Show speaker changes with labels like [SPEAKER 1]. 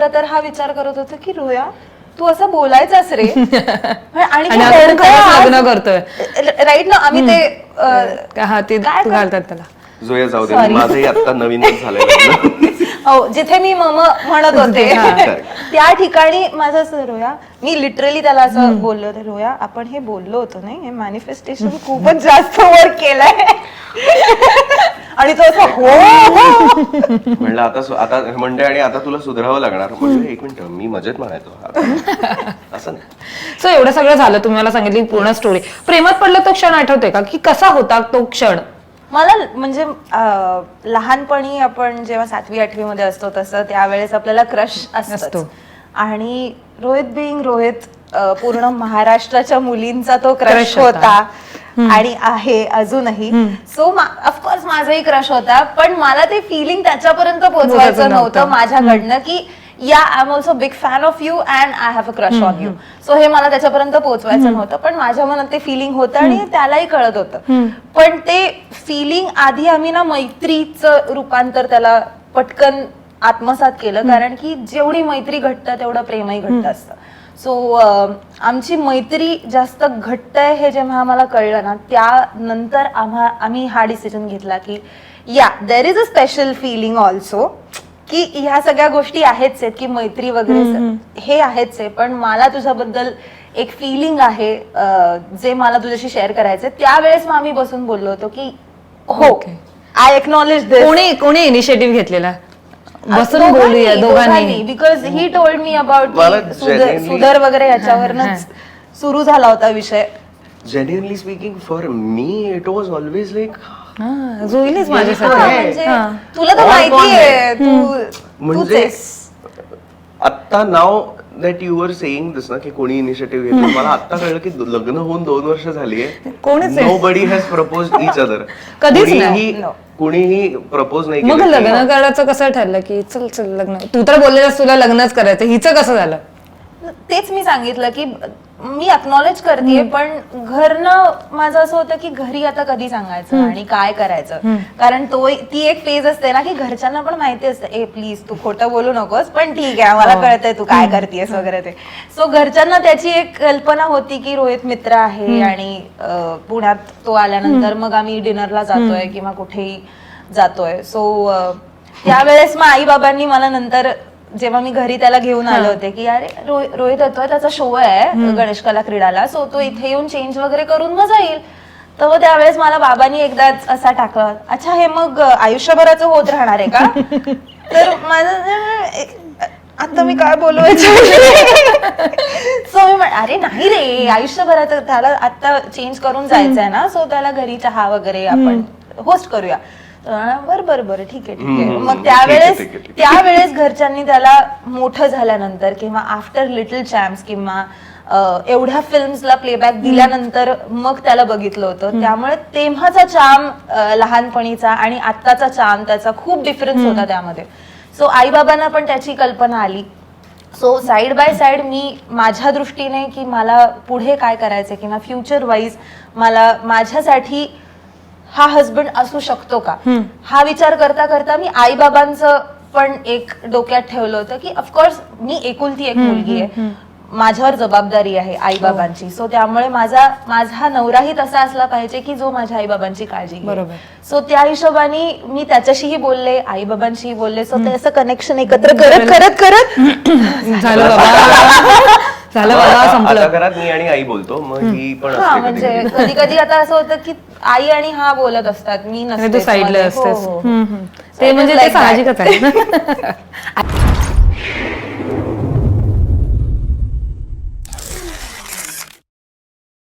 [SPEAKER 1] खरं तर हा विचार करत होता की रोया तू असं बोलायचंच रे आणि
[SPEAKER 2] लग्न करतोय
[SPEAKER 1] राईट ना. आम्ही ते
[SPEAKER 2] ते घालतात त्याला
[SPEAKER 3] जोया जाऊ दे, माझंही आता नवीनच झालंय.
[SPEAKER 1] हो, जिथे मी मम म्हणत होते त्या ठिकाणी माझं असं रोया, मी लिटरली त्याला असं बोललो होते, रोया आपण हे बोललो होतो नाही, हे मॅनिफेस्टेशन खूपच जास्त वर्क केलंय. आणि तो असं हो
[SPEAKER 3] म्हणलं आता म्हणते आणि आता तुला सुधारावं लागणार. म्हणजे एक मिनिट, मी मजेत म्हणायचो असं नाही.
[SPEAKER 2] सो एवढं सगळं झालं, तुम्ही मला सांगितली पूर्ण स्टोरी. प्रेमात पडलं तो क्षण आठवते का, की कसा होता तो क्षण?
[SPEAKER 1] मला म्हणजे लहानपणी आपण जेव्हा 7वी 8वी मध्ये असतो तसं त्यावेळेस आपल्याला क्रश असतो. आणि रोहित बिंग रोहित, पूर्ण महाराष्ट्राच्या मुलींचा तो क्रश होता आणि आहे अजूनही. सो ऑफकोर्स माझाही क्रश होता, पण मला ते फिलिंग त्याच्यापर्यंत पोहोचवायचं नव्हतं माझ्याकडनं की या I am also big fan of you and I have a crush on you. So हे मला त्याच्यापर्यंत पोहोचवायचं नव्हतं, पण माझ्या मनात ते फिलिंग होतं आणि त्यालाही कळत होतं. पण ते फिलिंग आधी आम्ही ना मैत्रीचं रूपांतर त्याला पटकन आत्मसात केलं, कारण की जेवढी मैत्री घट्ट तेवढं प्रेमही घट्ट असतं. सो आमची मैत्री जास्त घट्ट आहे हे जेव्हा आम्हाला कळलं ना, त्यानंतर आम्ही हा डिसिजन घेतला की या there is a special feeling also, की ह्या सगळ्या गोष्टी आहेच आहेत की मैत्री वगैरे हे आहेच आहे, पण मला तुझ्याबद्दल एक फिलिंग आहे जे मला तुझ्याशी शेअर करायचंय. त्यावेळेस मग आम्ही बसून बोललो होतो की हो आय एक्नॉलेज दिस.
[SPEAKER 2] कोणी इनिशिएटिव्ह घेतलेला बसून बोलूया दोघांनी?
[SPEAKER 1] Because he told me about सुधर वगैरे याच्यावरच सुरू झाला होता विषय.
[SPEAKER 3] Genuinely speaking for me it was always like
[SPEAKER 2] जोईलीच माझ्यासाठी.
[SPEAKER 1] तुला तर माहिती आहे
[SPEAKER 3] म्हणजे आता नाव that you are saying this ना की कोणी इनिशिएटिव्ह घेतलं, मला आता कळलं की लग्न होऊन 2 वर्ष झाली आहे, nobody has proposed each other. कुणीही प्रपोज नाही केलं.
[SPEAKER 2] मग लग्न करायचं कसं ठरलं की चल चल लग्न? तू तर बोललेलास तुला लग्नच करायचं, हिचं कसं झालं?
[SPEAKER 1] तेच मी सांगितलं की मी अक्नॉलेज करते, पण घरनं माझं असं होतं की घरी आता कधी सांगायचं आणि काय करायचं, कारण ती एक फेज असते ना की घरच्यांना पण माहिती असतं ए प्लीज तू खोटं बोलू नकोस, पण ठीक आहे मला कळतंय तू काय करतेस वगैरे ते. सो घरच्यांना त्याची एक कल्पना होती की रोहित मित्र आहे आणि पुण्यात तो आल्यानंतर मग आम्ही डिनरला जातोय किंवा कुठेही जातोय. सो त्यावेळेस मग आई बाबांनी मला नंतर जेव्हा मी घरी त्याला घेऊन आले होते की अरे रोहित येतोय, त्याचा शो आहे गणेश कला क्रीडाला, सो तो इथे येऊन चेंज वगैरे करून मग जाईल. तर त्यावेळेस मला बाबांनी एकदाच असा टाकला, अच्छा हे मग आयुष्यभराचं होत राहणार आहे का? तर माझं आता मी काय बोलवायचं. सो मी अरे नाही रे, आयुष्यभराचं त्याला आता चेंज करून जायचंय ना, सो त्याला घरी चहा वगैरे आपण होस्ट करूया. बरं ठीक आहे. मग त्यावेळेस घरच्यांनी त्याला मोठं झाल्यानंतर किंवा आफ्टर लिटल चॅम्प्स किंवा एवढ्या फिल्म्सला प्लेबॅक दिल्यानंतर मग त्याला बघितलं होतं. त्यामुळे तेव्हाचा चार्म लहानपणीचा आणि आत्ताचा चार्म त्याचा खूप डिफरन्स होता त्यामध्ये. सो आई बाबांना पण त्याची कल्पना आली. सो साइड बाय साइड मी माझ्या दृष्टीने की मला पुढे काय करायचं किंवा फ्युचर वाईज मला माझ्यासाठी हा हजबंड असू शकतो का, हा विचार करता करता मी आई बाबांचं पण एक डोक्यात ठेवलं होतं की ऑफकोर्स मी एकुलती एक मुलगी आहे, माझ्यावर जबाबदारी आहे आई बाबांची. सो त्यामुळे माझा नवराही तसा असला पाहिजे की जो माझ्या आई बाबांची काळजी घेईल. सो त्या हिशोबाने मी त्याच्याशीही बोलले, आई बाबांशीही बोलले. सो ते असं कनेक्शन एकत्र करत
[SPEAKER 2] झालं बाबा संपलं.
[SPEAKER 3] आता घरात मी आणि आई बोलतो, मग ही पण
[SPEAKER 1] म्हणजे कधी कधी आता असं होतं की आई आणि हा बोलत असतात, मी नसते
[SPEAKER 2] साईडला असतेस. ते म्हणजे ते साहजिकच आहे.